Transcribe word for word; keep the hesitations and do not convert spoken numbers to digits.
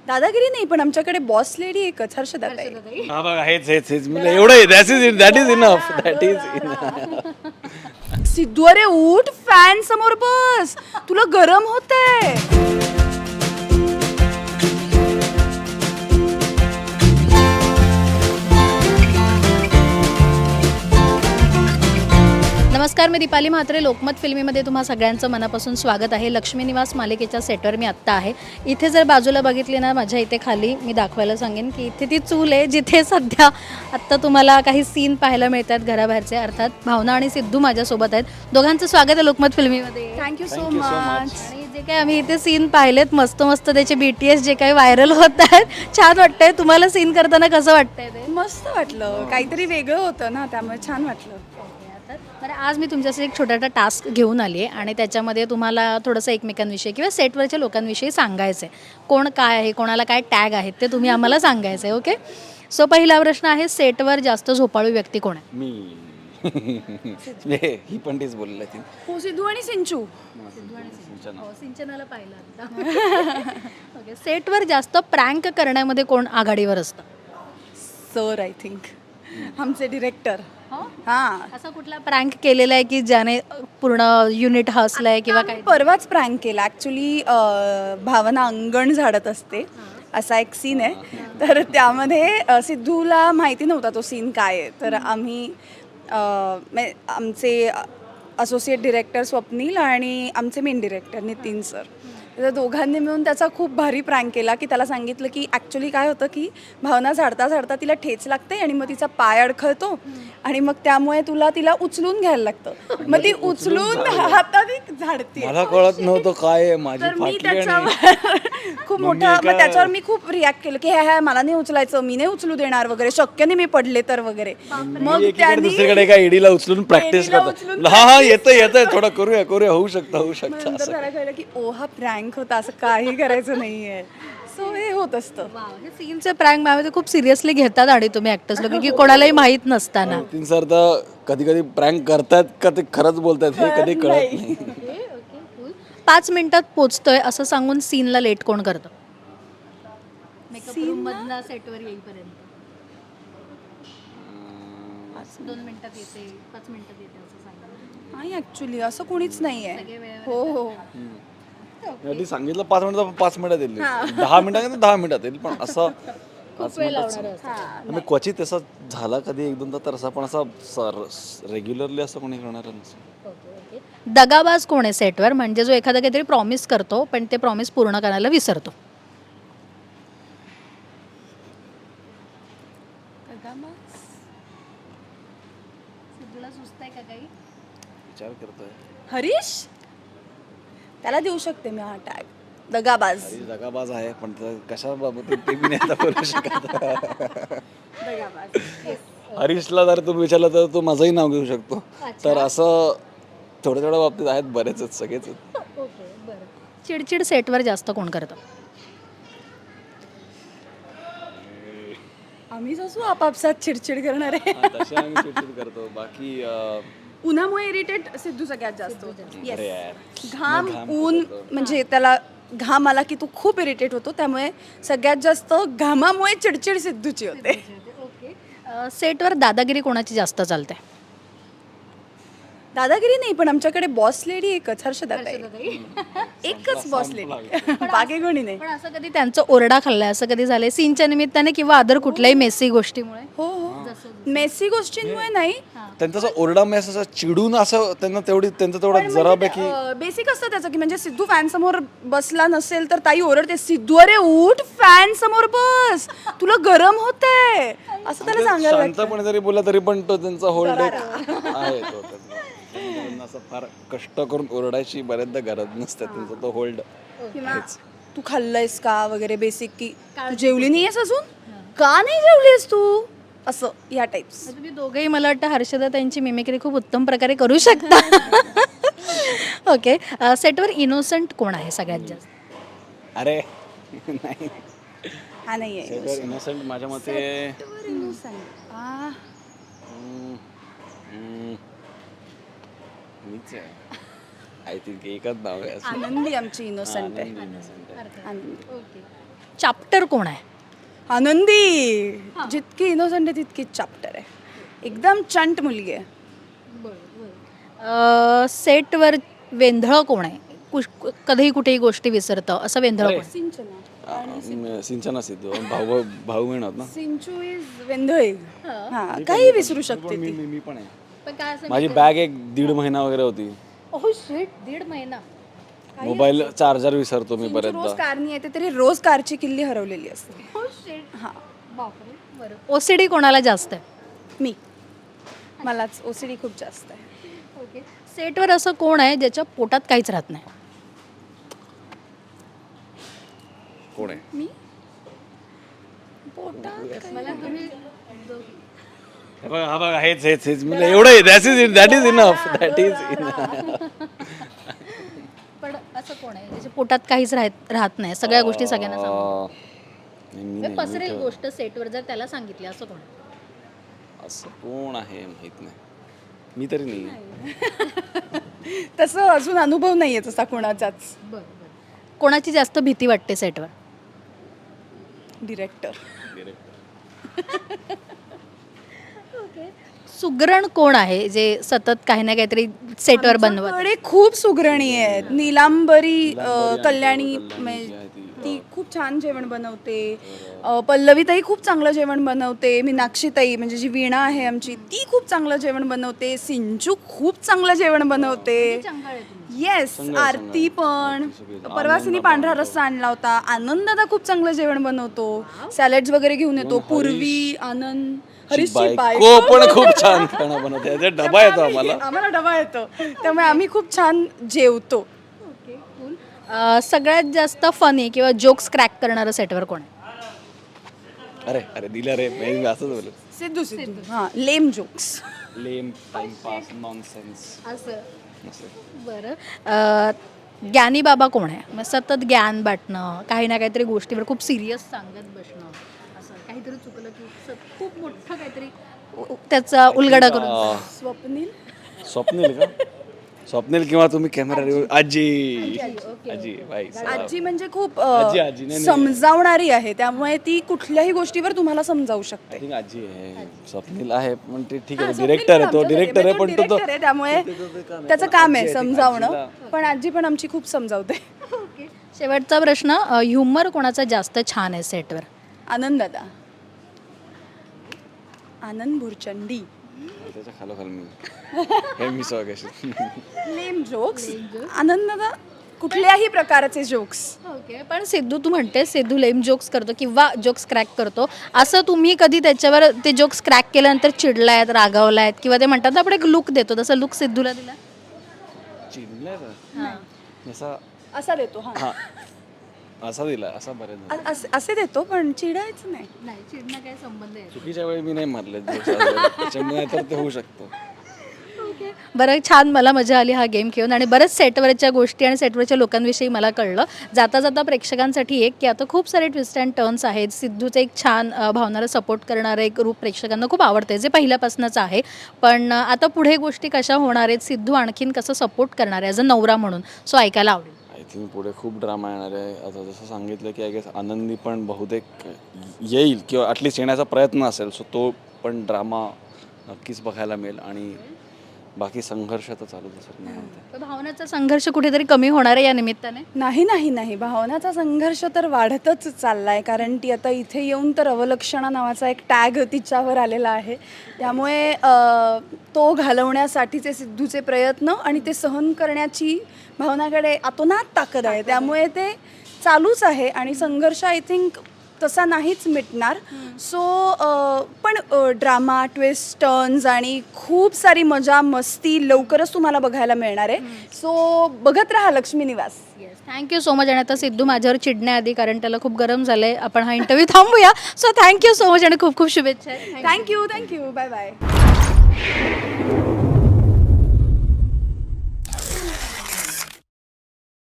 दादागिरी नाही, पण आमच्याकडे बॉस लेडी एकच, हर्षदा ताई. हा बघा हेच हेच हेच मला एवढं that is that is enough that is enough. Siddhu अरे उठ, फॅन समोर बस, तुला गरम होतंय. नमस्कार, मी दीपाली म्हात्रे. लोकमत फिल्मीमध्ये तुम्हा सगळ्यांचं मनापासून स्वागत आहे. लक्ष्मी निवास मालिकेच्या सेटवर मी आत्ता आहे. इथे जर बाजूला बघितली ना, माझ्या इथे खाली मी दाखवायला सांगेन की इथे ती चूल आहे जिथे सध्या आत्ता तुम्हाला काही सीन पाहायला मिळतात घराबाहेरचे. अर्थात भावना आणि सिद्धू माझ्यासोबत आहेत. दोघांचं स्वागत आहे लोकमत फिल्मीमध्ये. Thank you so Thank you so much. much. आणि जे काही आम्ही इथे सीन पाहिलेत मस्त मस्त त्याचे बी टी एस जे काही व्हायरल होत आहेत, छान वाटतंय. तुम्हाला सीन करताना कसं वाटतंय ते? मस्त वाटलं, काहीतरी वेगळं होतं ना, त्यामुळे छान वाटलं. तर आज मी तुमच्यासाठी एक छोटासा टास्क घेऊन आली आहे आणि त्याच्यामध्ये तुम्हाला थोडंसं एकमेकांविषयी किंवा सेटवरच्या लोकांविषयी सांगायचं आहे. कोण काय आहे, कोणाला काय टॅग आहेत ते तुम्ही आम्हाला सांगायचं आहे. ओके, सो पहिला प्रश्न आहे, सेटवर जास्त झोपाळू व्यक्ती कोण आहे? मी ही पण तीच बोलली ती. हो, सिद्धू आणि सिंचू. हो, सिंचनाला पाहिलं आता. ओके, सेटवर जास्त प्रँक करण्यामध्ये कोण आघाडीवर असतं? सर आय थिंक आमचे डिरेक्टर. हां, असा कुठला प्रँक केलेला आहे की ज्याने पूर्ण युनिट हसलंय किंवा काय? परवाच प्रँक केला ॲक्च्युली. भावना अंगण झाडत असते असा एक सीन आहे, तर त्यामध्ये अ, सिद्धूला माहिती नव्हता तो सीन काय आहे. तर आम्ही अ, म्हणजे आमचे असोसिएट डिरेक्टर स्वप्नील आणि आमचे मेन डिरेक्टर नितीन सर, तर दोघांनी मिळून त्याचा खूप भारी प्रँक केला. की त्याला सांगितलं की ॲक्च्युली काय होतं की भावना झाडता झाडता तिला ठेच लागते आणि मग तिचा पाय अडखळतो आणि मग त्यामुळे तुला तिला उचलून घ्यायला लागतं. मग ती उचलून हाताने झाडते. मला कळत नव्हतं काय आहे माझी तर मी फाटली आणि त्याच्यावर खूप मग मोठा मी मग एका- त्याच्यावर मी खूप रिॲक्ट केलं की ह्या मला नाही उचलायचं, मी नाही उचलू देणार वगैरे, शक्य नाही मी पडले तर वगैरे. मी मग एकीकडे त्यांनी दुसरीकडे एका ईडीला उचलून प्रॅक्टिस एडीला करतो. उचलून हा हा येतं येतं थोडं करूया करूया होऊ शकतं होऊ शकतं नंतर असं. त्याला कळलं की ओ हा प्रँक होता, असं काही करायचं नाहीये. सो हे होत असतं. हे सीनचे प्रँक माझ्यामध्ये खूप सिरियसली घेतात आणि तुम्ही ॲक्टर्स लोक की कोणालाही माहीत नसताना. नितीन सर तर कधी कधी प्रँक करतात का ते खरंच बोलतात हे कधी कळत नाही. पाच मिनिटात पोचतोय असं सांगून सीनला लेट कोण करतं? मेकअप रूम मधनं सेटवर येईपर्यंत दोन मिनिटात येते, पाच मिनिटात येते असं सांगा. नाही ॲक्च्युली असं कोणीच नाहीये. सगळे वेळेवर हो हो आधी सांगितलं पाच मिनिटात पाच मिनिटात येईल, दहा मिनिटात दहा मिनिटात येईल, पण असं पाच मिनिटात मी क्वचित असं झाला कधी एक दोनदा, तर असं पण असं रेग्युलरली असं कोणी करणार नसेल. दगाबाज कोण आहे सेटवर? म्हणजे जो एखादा काहीतरी प्रॉमिस करतो पण ते प्रॉमिस पूर्ण करायला विसरतो. सिद्धूला सुचतंय का काही? विचार करतोय. हरीश, त्याला देऊ शकते मी हा टॅग, दगाबाज. हरीश दगाबाज आहे, पण ते कशा बाबतीत ते मी नाही आता बोलू शकत. दगाबाज. हरीशला जर तुम्ही विचारलं तर तो माझंही नाव घेऊ शकतो. तर असं थोड्या थोड्या बाबतीत आहेत, बरेच आहेत, सगळेच आहेत. ओके, बरं. चिडचिड सेटवर जास्त कोण करतं? आम्हीच असू आपापसात चिडचिड करणारे. हा, तसे आम्ही चिडचिड करतो. बाकी अं, उन्हामुळे इरिटेट सिद्धू सगळ्यात जास्त होतो. Yes. अरे यार, घाम, घाम ऊन, म्हणजे त्याला घाम आला की तो खूप इरिटेट होतो, त्यामुळे सगळ्यात जास्त घामामुळे चिडचिड सिद्धूची होते. ओके. सेटवर दादागिरी कोणाची जास्त चालते? दादागिरी नाही, पण आमच्याकडे बॉस लेडी एकच, हर्षदा ताई. एकच बॉस लेडी, बाकी कोणी नाही. पण असं कधी त्यांचं ओरडा खाल्लाय, असं कधी झालंय सीनच्या निमित्ताने किंवा अदर कुठल्याही मेसी गोष्टीमुळे? हो हो, मेसी गोष्टींमुळे नाही, त्यांचा असं ओरडा मेस असं चिडून असं त्यांना तेवढी त्यांचं तेवढं जरापैकी बेसिक असतं त्याचं की म्हणजे सिद्धू फॅन समोर बसला नसेल तर ताई ओरडते, सिद्धू अरे उठ, फॅन समोर बस, तुला गरम होतंय, असं त्याला सांगायला लागतं. शांतपणे जरी बोलला तरी पण तो त्यांचा होल्ड आहे तो. त्यांना असं फार कष्ट करून ओरडायची बऱ्याचदा गरज नसते, त्यांचा तो होल्ड. किंवा तू खाल्लंयस का वगैरे, बेसिक की तू जेवली नाहीयेस अजून, का नाही जेवलीस तू, असं या टाइप्स. तुम्ही दोघेही मला वाटतं हर्षदा त्यांची मिमिक्री खूप उत्तम प्रकारे करू शकता. ओके. सेटवर इनोसंट कोण आहे सगळ्यात जास्त? अरे नाही, हा नाहीये इनोसंट माझ्या मते innocent. आ, हम्म, हम्म, मीच आहे. आय थिंक एकच नाव आहे असं. आनंदी आमची इनोसंट आहे. innocent आहे. आनंदी. ओके. चॅप्टर कोण आहे? आनंदी जितकी इनोसंट आहे तितकीच चॅप्टर आहे. एकदम चंट मुलगी आहे. अ, सेटवर वेंधळं कोण आहे? कुश- कधीही कुठेही गोष्टी विसरतं असं वेंधळं कोण आहे? सिंचना अं, सिंचना सिद्धू भाऊ भाऊ बहीण आहोत ना. सिंचू इज वेंधळे. हा काही विसरू शकते पण मी ती. मी मी पण आहे. पण काय असं माझी बॅग एक दीड महिना वगैरे होती. ओह शिट, दीड महिना. मोबाईल चार्जर विसरतो मी सिंचू रोज बरेचदा. कारनी येते तरी रोज कारची किल्ली हरवलेली असते. हा बापरे. बरं, ओसीडी कोणाला जास्त आहे? मी मलाच ओसीडी खूप जास्त आहे. ओके. सेटवर असं कोण आहे ज्याच्या पोटात काहीच राहत नाही? कोण आहे? मी पोटात मला तुम्ही हे बघा हा बघा हेच हेच हेच म्हणजे एवढं आहे. That is that is enough that is पण असं कोण आहे ज्याच्या पोटात काहीच राहत राहत नाही, सगळ्या गोष्टी सगळ्यांना सांगतो? नाही पसरे गोष्ट सेटवर जर त्याला सांगितली असं कोण आहे? असं कोण आहे माहित नाही. मी तरी नाही. तसं अजून अनुभव नाहीये तसा कोणाचाच. बरं बरं. कोणाची जास्त भीती वाटते सेटवर? डिरेक्टर. सुगरण कोण आहे जे सतत काही ना काहीतरी सेटवर बनवत? कडे खूप सुगरणी आहेत. नीलांबरी अ, कल्याणी म्हणजे ती खूप छान जेवण बनवते. अ, पल्लवीताई खूप चांगलं जेवण बनवते. मीनाक्षीताई म्हणजे जी वीणा आहे आमची ती खूप चांगलं जेवण बनवते. सिंचू खूप चांगलं जेवण बनवते. येस, आरती पण. परवा तिने पांढरा रस्सा आणला होता. आनंद दादा खूप चांगलं जेवण बनवतो. सॅलड्स वगैरे घेऊन येतो. पूर्वी, आनंद, हरीशची बायको पण खूप छान खाणं बनवते. याचा डबा येतो आम्हाला. आम्हाला डबा येतो त्यामुळे आम्ही खूप छान जेवतो. अ, सगळ्यात जास्त फनी किंवा जोक्स क्रॅक करणारं सेटवर कोण आहे? अरे अरे दिलं रे मी असंच बोलत. सिद्धू सिद्धू हां lame jokes. Lame timepass nonsense असं बरं. अ, ज्ञानी बाबा कोण आहे? मग सतत ज्ञान बाटणं, काही ना काहीतरी गोष्टीवर खूप सिरियस सांगत बसणं, असं काहीतरी चुकलं की सत- खूप मोठं काहीतरी उ- त्याचा उलगडा करून. स्वप्नील. स्वप्नील का? स्वप्नील किंवा तुम्ही कॅमेरा आजी आजी बाई आजी म्हणजे खूप अ, आजी, आजी, नाही, नाही. समजावणारी आहे त्यामुळे ती कुठल्याही गोष्टीवर तुम्हाला समजावू शकते. आय थिंक आजी आहे. स्वप्नील आहे पण ते ठीक आहे. हा, डिरेक्टर आहे तो स्वप्नील पण डिरेक्टर आहे आमच्याकडे, पण तो director आहे, त्यामुळे त्याचं काम आहे समजावणं. पण आजी पण आमची खूप समजावते. शेवटचा प्रश्न, ह्युमर कोणाचा जास्त छान आहे सेटवर? आनंद दादा. आनंद भुरचंडी. त्याच्या खालोखाल मी हे मी स्वागत. Lame jokes. आनंद दादा कुठल्याही प्रकारचे जोक्स. ओके. पण सिद्धू, तू म्हणते सिद्धू लेम जोक्स करतो किंवा जोक्स क्रॅक करतो, असं तुम्ही कधी त्याच्यावर ते जोक्स क्रॅक केल्यानंतर चिडलायत, रागावलायत किंवा ते म्हणतात ना आपण एक लुक देतो, तसं लुक सिद्धूला दिला? चिडलाय का? असा असा देतो हा हा असा दिला असा बरेच अ- असे- असे देतो पण चिडायचं नाही. नाही, चिडणं काय संबंध आहे? चुकीच्या वेळी मी नाही मारले त्याच्यामुळे तर ते होऊ शकतो. बरं, छान, मला मजा आली हा गेम खेळून आणि बरेच सेटवरच्या गोष्टी आणि सेटवरच्या लोकांविषयी मला कळलं. जाता जाता प्रेक्षकांसाठी एक की आता खूप सारे ट्विस्ट अँड टर्न्स आहेत. सिद्धूचं एक छान अ, भावनाला सपोर्ट करणारं एक रूप प्रेक्षकांना खूप आवडते, जे पहिल्यापासूनच आहे. पण अ, आता पुढे गोष्टी कशा होणार आहेत, सिद्धू आणखीन कसं सपोर्ट करणार आहे ॲज अ नवरा म्हणून, सो ऐकायला आवडेल. आय थिंक पुढे खूप ड्रामा येणार आहे. आता जसं सांगितलं की आय गेस आनंदी पण बहुतेक येईल किंवा ॲटलिस्ट येण्याचा प्रयत्न असेल. सो तो पण ड्रामा नक्कीच बघायला मिळेल आणि बाकी संघर्ष तर चालूच असेल मी म्हणते. तर भावनाचा संघर्ष कुठेतरी कमी होणार आहे या निमित्ताने? नाही नाही नाही भावनाचा संघर्ष तर वाढतच चाललाय. कारण ती आता इथे येऊन तर अवलक्षणा नावाचा एक टॅग तिच्यावर आलेला आहे. त्यामुळे अ, तो घालवण्यासाठीचे सिद्धूचे प्रयत्न आणि ते सहन करण्याची भावनाकडे अतोनात ताकद आहे. त्यामुळे ते चालूच आहे आणि संघर्ष आय थिंक तसा नाहीच मिटणार. सो पण ड्रामा, ट्विस्ट, टर्न्स आणि खूप सारी मजा मस्ती लवकरच तुम्हाला बघायला मिळणार आहे. सो बघत राहा Lakshmi Niwas. Yes, thank you so much. आणि आता सिद्धू माझ्यावर चिडण्याआधी, कारण त्याला खूप गरम झालं आहे, आपण हा इंटरव्ह्यू थांबूया. सो थँक्यू सो मच आणि खूप खूप शुभेच्छा. Thank you thank you bye bye.